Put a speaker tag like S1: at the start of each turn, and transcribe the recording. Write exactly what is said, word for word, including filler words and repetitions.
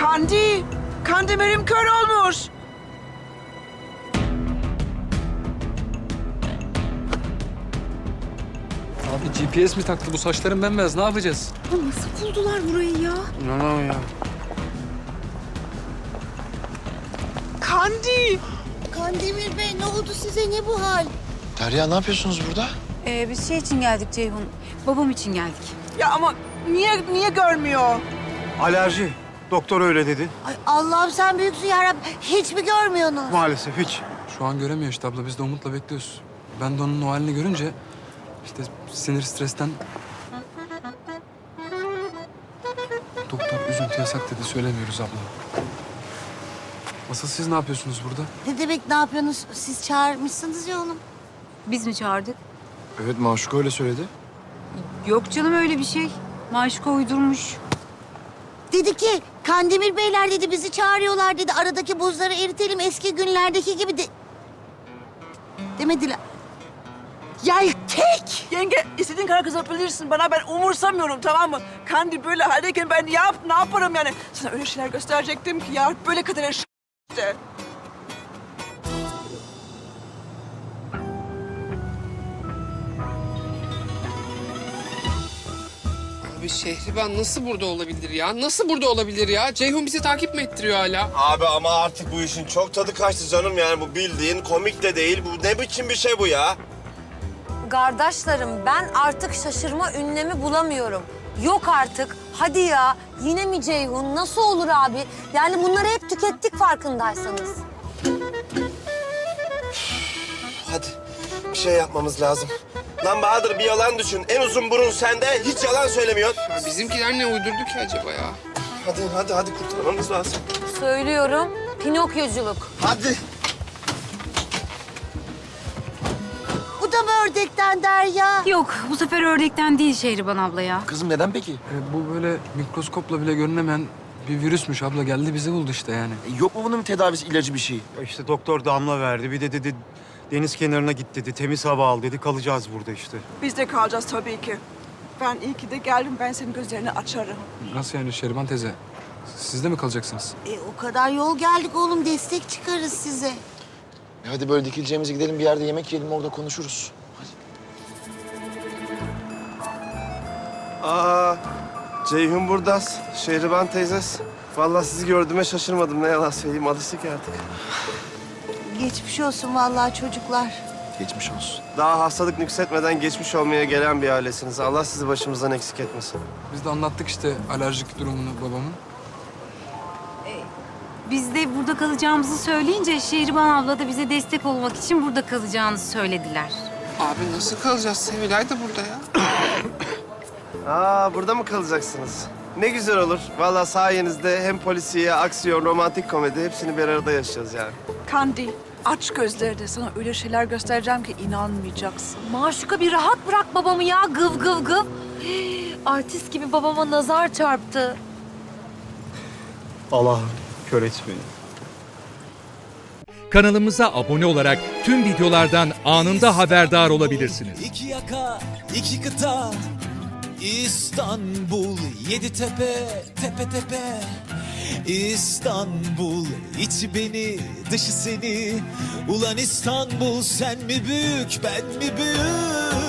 S1: Kandi! Kandemir'im kör olmuş.
S2: Abi G P S mi taktı bu saçların bembeyaz, ne yapacağız?
S3: Ya nasıl buldular burayı ya?
S2: İnanamam ya.
S1: Kandi!
S4: Kandemir Bey ne oldu size, ne bu hal?
S5: Derya ne yapıyorsunuz burada?
S3: Ee, biz şey için geldik Ceyhun. Babam için geldik.
S1: Ya ama niye niye görmüyor?
S6: Alerji. Doktor öyle dedi.
S4: Ay Allah'ım sen büyüksün yarabbim. Hiç mi görmüyorsunuz?
S6: Maalesef hiç.
S2: Şu an göremiyor işte abla, biz de Umut'la bekliyoruz. Ben de onun o halini görünce işte sinir stresten... Doktor üzüntü yasak dedi, söylemiyoruz abla. Asıl siz ne yapıyorsunuz burada?
S4: Ne demek ne yapıyorsunuz? Siz çağırmışsınız ya oğlum.
S3: Biz mi çağırdık?
S5: Evet Maşuka öyle söyledi.
S3: Yok canım öyle bir şey. Maşuka uydurmuş.
S4: Dedi ki Kandemir Beyler dedi bizi çağırıyorlar dedi. Aradaki buzları eritelim eski günlerdeki gibi de... Demediler. Yeltek!
S1: Yenge istediğin kadar kızabilirsin bana, ben umursamıyorum, tamam mı? Kandi böyle haldeyken ben yap, ne yaparım yani? Sana öyle şeyler gösterecektim ki ya, böyle kadar işte.
S7: Abi Şehriban nasıl burada olabilir ya? Nasıl burada olabilir ya? Ceyhun bizi takip mi ettiriyor hala?
S8: Abi ama artık bu işin çok tadı kaçtı canım, yani bu bildiğin komik de değil. Bu ne biçim bir şey bu ya?
S9: Kardeşlerim ben artık şaşırma ünlemi bulamıyorum. Yok artık. Hadi ya. Yine mi Ceyhun? Nasıl olur abi? Yani bunları hep tükettik farkındaysanız.
S8: Hadi bir şey yapmamız lazım. Lan Bahadır bir yalan düşün. En uzun burun sende, hiç yalan söylemiyorsun.
S7: Ya bizimkiler ne uydurdu ki acaba ya?
S8: Hadi hadi hadi kurtarmamız lazım.
S9: Söylüyorum. Pinokyoculuk.
S8: Hadi.
S4: Bu da mı ördekten Derya?
S3: Yok bu sefer ördekten değil Şehriban abla ya.
S5: Kızım neden peki?
S2: E, bu böyle mikroskopla bile görünemeyen bir virüsmüş abla, geldi bizi buldu işte yani.
S5: E, yok mu bunun tedavisi, ilacı bir şey?
S6: Ya İşte doktor damla verdi. Bir de dedi deniz kenarına git dedi. Temiz hava al dedi. Kalacağız burada işte.
S1: Biz de kalacağız tabii ki. Ben iyi ki de geldim, ben senin gözlerini açarım.
S2: Nasıl yani Şeriban teyze? Siz de mi kalacaksınız?
S4: E, o kadar yol geldik oğlum, destek çıkarız size.
S5: E, hadi böyle dikileceğimize gidelim bir yerde yemek yiyelim, orada konuşuruz.
S8: Aa, Ceyhun burdas, Şehriban teyzes. Vallahi sizi gördüğüme şaşırmadım, ne yalan söyleyeyim, alıştık artık.
S4: Geçmiş olsun vallahi çocuklar.
S5: Geçmiş olsun.
S8: Daha hastalık nüksetmeden geçmiş olmaya gelen bir ailesiniz. Allah sizi başımızdan eksik etmesin.
S2: Biz de anlattık işte alerjik durumunu babamın.
S3: Biz de burada kalacağımızı söyleyince Şehriban abla da bize destek olmak için burada kalacağınızı söylediler.
S7: Abi nasıl kalacağız? Sevilay da burada ya.
S8: Aa, burada mı kalacaksınız? Ne güzel olur. Vallahi sayenizde hem polisiye, aksiyon, romantik komedi hepsini bir arada yaşayacağız yani.
S1: Kandi, aç gözlerini, sana öyle şeyler göstereceğim ki inanmayacaksın.
S9: Maşuka bir rahat bırak babamı ya. Gıv gıv gıv. Artist gibi babama nazar çarptı.
S6: Allah kör et beni.
S10: Kanalımıza abone olarak tüm videolardan anında haberdar olabilirsiniz.
S11: İki yaka, iki kıta, İstanbul, yedi tepe, tepe tepe. İstanbul, içi beni, dışı seni. Ulan İstanbul, sen mi büyük, ben mi büyük?